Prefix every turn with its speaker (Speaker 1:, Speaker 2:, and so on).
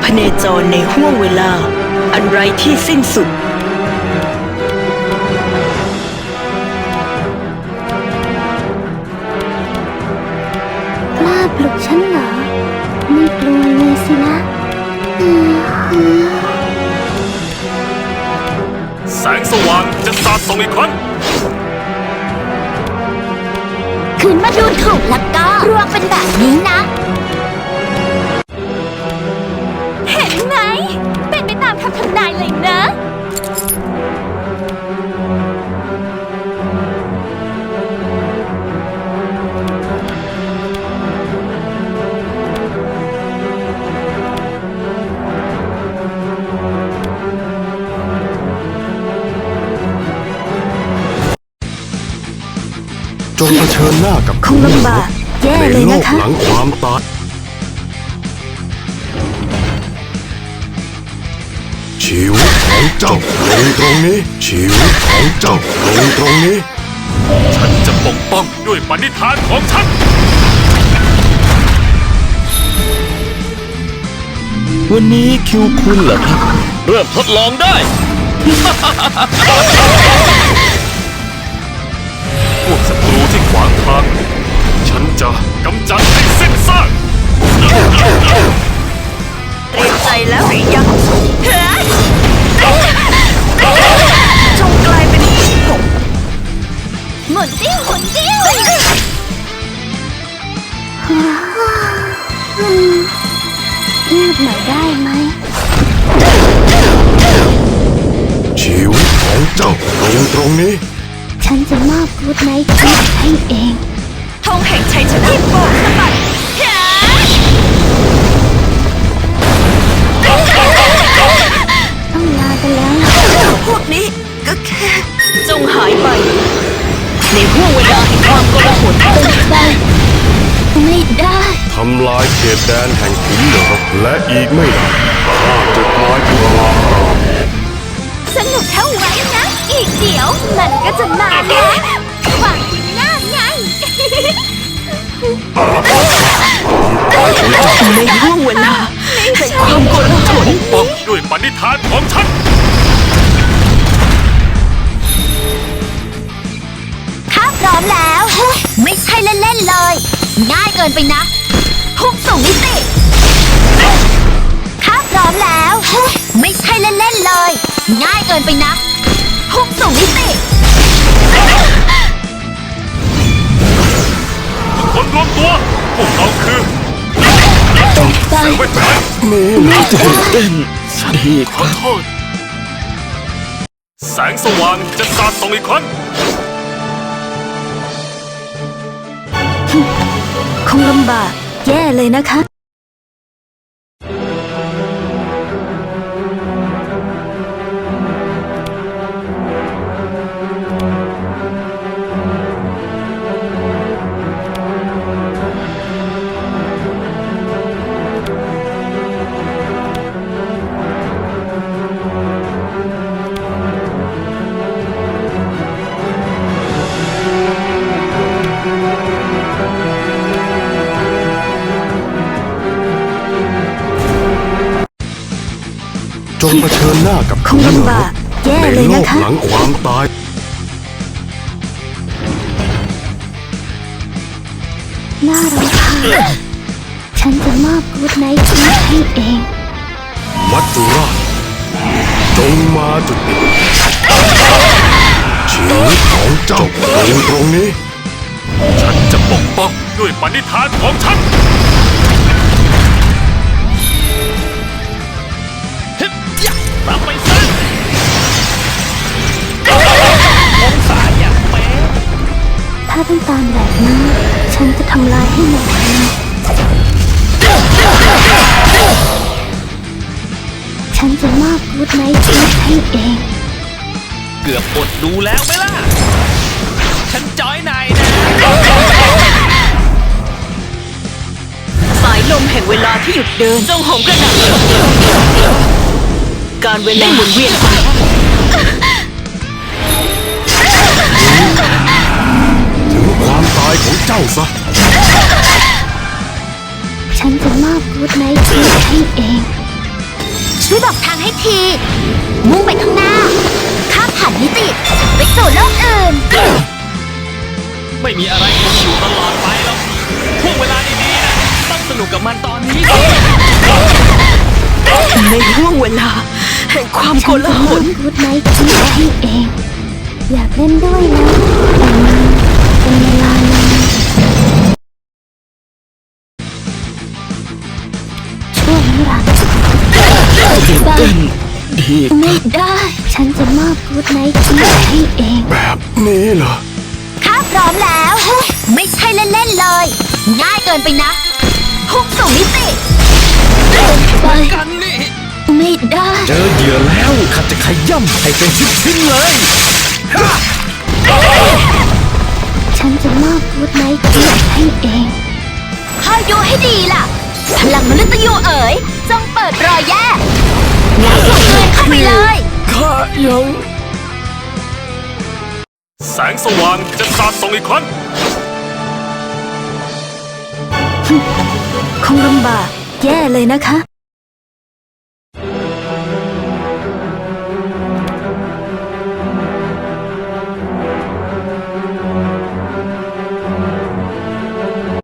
Speaker 1: พเนจรในห้วงเวลาอันไร้ที่สิ้นสุด
Speaker 2: กล้าปลุกฉันเหรอไม่กลัวเลยสินะ
Speaker 3: แสงสว่างจะสาดส่องอีกครั้ง
Speaker 2: คืนมาดูถูกแล้วก็รวงเป็นแบบนี้นะเห็นไหมเป็นไปตามคำทำนายเลยนะ
Speaker 4: จงเผชิญหน้ากับ
Speaker 1: คงลำบากแย่เลยนะคะ
Speaker 4: ในโลกหลังความตายชีวิตของเจ้าลงตรงนี้ชีวิตของเจ้าลงตรงนี้
Speaker 3: ฉันจะปกป้องด้วยปณิธานของฉัน
Speaker 5: วันนี้คิวคุณเหรอครับ เริ่มทดลองได้
Speaker 3: พวกศัตรูที่ขวางทางฉันจะกำจัดให้สิ้นซาก
Speaker 1: เตรียมใจแล้วหรือยังจงกลายเป็นผม
Speaker 2: หมุนติ้วหมุนติ้วเงียบหน่อยได้ไหม
Speaker 4: ชีวิตของเจ้าลงตรงนี้
Speaker 2: ฉันจะมอบกูดไนท์ให้เอง
Speaker 1: ธงแห่งชัยชนะที่โบกสะบัด
Speaker 2: ต้องลากันแล้ว
Speaker 1: พวกนี้ก็แค่จงหายไปในห้วงเวลาแห่งความโกลาหล
Speaker 2: เป็นไปไม่ได้
Speaker 4: ทำลายเขตแดนแห่งขุนเหลือและอีกไม่นานข้าจะกลายเป็นลา
Speaker 2: สนุกเท่าไว้นะ อีกเดี๋ยวมันก็จะมาแล้วหวังหน้าไง
Speaker 1: ในห้วงเวลาแห่งความโกลาหล
Speaker 3: ปกป้องด้วยปณิธานของฉัน
Speaker 2: ถ้าพร้อมแล้วไม่ใช่เล่นๆเลย ง่ายเกินไปนะพุ่งสู่มิติถ้าพร้อมแล้วไม่ใช่เล่นๆเลย ง่ายเกินไปนะพุ่งสู่มิติ
Speaker 3: คนรวมตัวพวกเราคือเซเว่นไทม์
Speaker 5: ไม่ตื่นเต้นดี
Speaker 3: ขอโทษแสงสว่างจะสาดส่องอีกครั้ง
Speaker 1: คงลำบากแย่เลยนะคะ
Speaker 4: จงเผชิญหน้ากับ
Speaker 1: คงลำบากแย่เลยนะคะ
Speaker 4: ในโลกหลังความตาย
Speaker 2: น่ารำคาญฉันจะมอบกูดไนท์ให้เอง
Speaker 4: มัจจุราชจงมาจุดนี้ชีวิตของเจ้าลงตรงนี้
Speaker 3: ฉันจะปกป้องด้วยปณิธานของฉันรับไปซะองศาอย่างเป๊ะ
Speaker 2: ถ้าต้องตามแบบนี้ฉันจะทำลายให้หมดฉันจะมอบกูดไนท์ให้เอง
Speaker 3: เกือบอดดูแล้วไหมล่ะฉันจอยนายนะ
Speaker 1: สายลมแห่งเวลาที่หยุดเดินจงโหมกระหน่ำการเวลาหมุนเวียนไป
Speaker 4: ถึงความตายของเจ้าซะ
Speaker 2: ฉันจะมอบกูดไนท์ให้เองช่วยบอกทางให้ที มุ่งไปข้างหน้า ข้ามผ่านมิติ ไปสู่โลกอื่น
Speaker 5: ไม่มีอะไรคงอยู่ตลอดไปหรอกช่วงเวลาดีๆนะต้องสนุกกับมันตอนนี้
Speaker 1: ในห่วงเวลาแห่งความโกลาหล
Speaker 2: พูดไหมคิดให้เอง อยากเล่นด้วยนะแต่มันเป็นเวลานานช่วงนี้ล่ะไปไม่ได้ ฉันจะมอบกูดไนท์คิดให้เอง
Speaker 4: แบบนี้เหรอ
Speaker 2: ข้าพร้อมแล้ว ไม่ใช่เล่นๆเลย ง่ายเกินไปนะพุ่งสู่มิติไป
Speaker 5: กันนี่
Speaker 2: ไม่ได้
Speaker 5: เจอเหยื่อแล้วข้าจะขย่ำให้เป็นชิ้นๆเลย
Speaker 2: ฉันจะมอบกูดไนท์คิดให้เองคอยดูให้ดีล่ะ พลังมนุษย์ยูเอ๋ยจงเปิดรอยแย่งัดส่งเงินเข้าไปเลย
Speaker 5: ข้ายัง
Speaker 3: แสงสว่างจะสาดส่องอีกครั้ง
Speaker 1: คงลำบากแย่เลยนะคะ